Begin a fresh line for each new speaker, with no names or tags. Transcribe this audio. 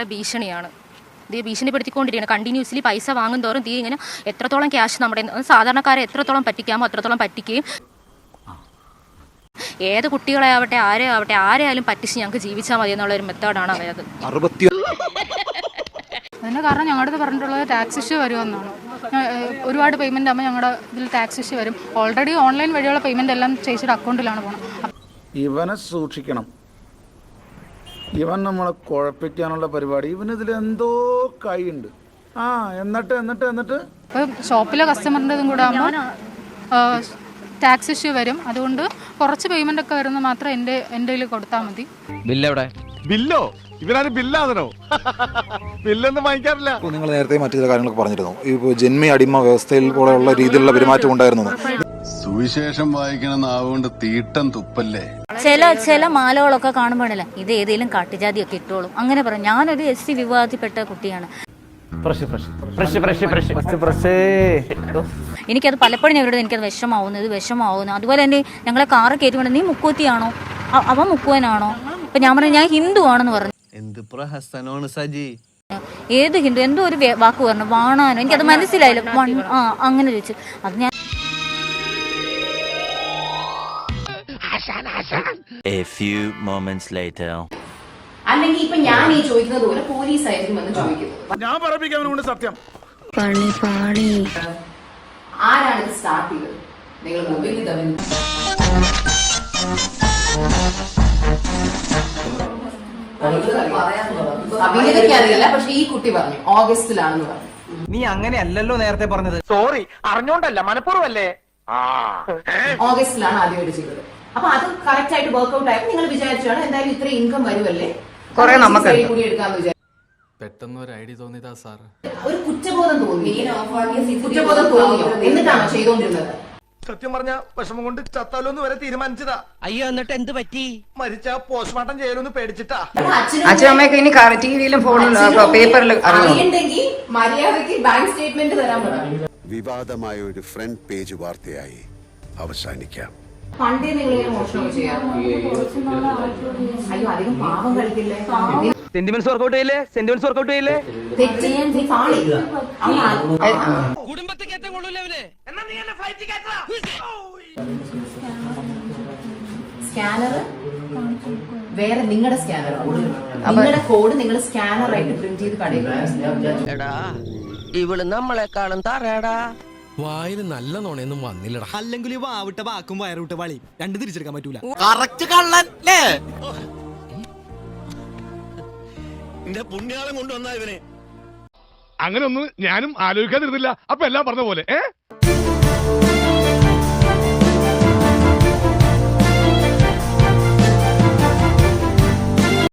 ഭീഷണിയാണ്. ഇത് ഭീഷണിപ്പെടുത്തിക്കൊണ്ടിരിക്കുകയാണ്. കണ്ടിന്യൂസ്ലി പൈസ വാങ്ങും തോറും തീ ഇങ്ങനെ എത്രത്തോളം ക്യാഷ് നമ്മുടെ സാധാരണക്കാരെ എത്രത്തോളം പറ്റിക്കാമോ അത്രത്തോളം പറ്റിക്കുകയും ഏത് കുട്ടികളെ ആവട്ടെ ആരെയായാലും പറ്റിച്ച് ഞങ്ങൾക്ക് ജീവിച്ചാൽ മതി എന്നുള്ള ഒരു മെത്തേഡാണ് അവരത്.
അതിൻ്റെ കാരണം ഞങ്ങളുടെ അടുത്ത് പറഞ്ഞിട്ടുള്ളത് ടാക്സ് ഇഷ്യൂ വരുമെന്നാണ്. ഒരുപാട് പേയ്മെൻ്റ് ആകുമ്പോൾ ഞങ്ങളുടെ ഇതിൽ ടാക്സ് ഇഷ്യൂ വരും. ഓൾറെഡി ഓൺലൈൻ വഴിയുള്ള പേയ്മെൻ്റ് എല്ലാം ചേച്ചിയുടെ അക്കൗണ്ടിലാണ് പോകുന്നത്.
ഇവനെ സൂക്ഷിക്കണം, ഇവൻ നമ്മളെ കുഴപ്പിക്കാനുള്ള പരിപാടി, ഇവനിതിൽ എന്തോ കൈയുണ്ട്. എന്നിട്ട്
ഇപ്പം ഷോപ്പിലെ കസ്റ്റമറിൻ്റെതും കൂടെ ആകുമ്പോൾ ടാക്സ് ഇഷ്യൂ വരും. അതുകൊണ്ട് കുറച്ച് പേയ്മെൻ്റ് ഒക്കെ വരുന്ന മാത്രം എൻ്റെ കയ്യിൽ കൊടുത്താൽ മതി.
ബില്ലോ ഇവരാരും ബില്ലാതനോ? ബില്ലൊന്നും വാങ്ങിക്കാറില്ല.
നിങ്ങൾ നേരത്തെ മറ്റു ചില കാര്യങ്ങളൊക്കെ പറഞ്ഞിരുന്നു. ഇപ്പോൾ ജന്മി അടിമ വ്യവസ്ഥയിൽ പോലെയുള്ള രീതിയിലുള്ള പെരുമാറ്റം ഉണ്ടായിരുന്നു.
സുവിശേഷം വായിക്കണ നാവുകൊണ്ട് തീട്ടം തുപ്പല്ലേ.
ചില മാലകളൊക്കെ കാണുമ്പോഴല്ല ഇത് ഏതെങ്കിലും കാട്ടുജാതിയൊക്കെ ഇട്ടോളും അങ്ങനെ പറയും. ഞാനൊരു SC വിഭാഗത്തിൽപ്പെട്ട കുട്ടിയാണ്. എനിക്കത് പലപ്പോഴും ഞങ്ങളുടെ എനിക്കത് വിഷമാവുന്നു. അതുപോലെ തന്നെ ഞങ്ങളെ കാറ് കയറ്റി നീ മുക്കൂത്തിയാണോ അവൻ മുക്കുവനാണോ? അപ്പൊ ഞാൻ പറഞ്ഞു ഞാൻ ഹിന്ദു ആണെന്ന് പറഞ്ഞു. ഏത് ഹിന്ദു എന്തോ ഒരു വാക്ക് പറഞ്ഞു വാണാനോ, എനിക്കത് മനസ്സിലായില്ല. അങ്ങനെ ചോദിച്ചു. അത് ഞാൻ
A few moments later.
അല്ലെങ്കിൽ ഇപ്പൊ ഞാൻ ഈ ചോദിക്കുന്നത് പോലെ പോലീസ് ആയിരിക്കും എന്ന് ചോദിക്കുന്നത്.
ഞാൻ പറയിപ്പിക്കാനുണ്ട് സത്യം.
ആരാണ് ഇത് സ്റ്റാർട്ട് ചെയ്തത്? നിങ്ങൾ മൊബൈലിൽ അഭിനേതയ്ക്ക് അറിയില്ല, പക്ഷെ ഈ കുട്ടി പറഞ്ഞു ഓഗസ്റ്റിലാണെന്ന് പറഞ്ഞു.
നീ അങ്ങനെയല്ലല്ലോ നേരത്തെ പറഞ്ഞത്.
സോറി, അറിഞ്ഞോണ്ടല്ല, മനഃപൂർവ്വല്ലേ.
ഓഗസ്റ്റിലാണ് ആദ്യമായിട്ട് ചെയ്തത്. അപ്പൊ അത് കറക്റ്റ് ആയിട്ട് വർക്ക്ഔട്ട് ആയപ്പോൾ നിങ്ങൾ വിചാരിച്ചാണ് എന്തായാലും ഇത്ര ഇൻകം വരുമല്ലേ കൂടി എടുക്കാന്ന് വിചാരിച്ചു.
പെട്ടെന്ന് ഒരു ഐഡിയ തോന്നിയതാ സാർ.
ഒരു കുറ്റബോധം തോന്നിയോ? എന്നിട്ടാണ് ചെയ്തോണ്ടിരുന്നത്.
സത്യം പറഞ്ഞ വിഷമം കൊണ്ട് ചത്താലോന്ന് വരെ തീരുമാനിച്ചതാ.
അയ്യോ, എന്നിട്ട് എന്ത് പറ്റി?
മരിച്ച പോസ്റ്റ്മോർട്ടം ചെയ്യലൊന്ന് പേടിച്ചിട്ടാ.
അച്ഛനമ്മയൊക്കെ ഇനി ടിവിയിലും ഫോണിലും പേപ്പറിലും
അറിയണ്ടെങ്കിൽ മര്യാദയ്ക്ക് ബാങ്ക് സ്റ്റേറ്റ്മെന്റ് തരാൻ പറഞ്ഞു.
വിവാദമായ ഒരു ഫ്രണ്ട് പേജ് വാർത്തയായി അവസാനിക്കാം.
പണ്ടേ നിങ്ങൾ മോഷണം ചെയ്യാം. അയ്യോ, അധികം പാവം കളിക്കില്ലേ?
സെന്റിമെന്റ്സ് വർക്ക്ഔട്ട് ചെയ്യില്ലേ?
സ്കാനർ വേറെ നിങ്ങളുടെ സ്കാനർ, നിങ്ങളുടെ കോഡ് നിങ്ങൾ സ്കാനർ ആയിട്ട് പ്രിന്റ് ചെയ്ത് കടയിൽ.
ഇവള് നമ്മളെക്കാളും തറയടാ.
വായിൽ നല്ല നോണയൊന്നും വന്നില്ലടാ. അല്ലെങ്കിൽ വാവിട്ട വാക്കും വയറുവിട്ട വളി രണ്ടും തിരിച്ചെടുക്കാൻ പറ്റൂല.
അങ്ങനെ ഒന്നും ഞാനും ആലോചിക്കാതിരുന്നില്ല. അപ്പൊ എല്ലാം പറഞ്ഞ പോലെ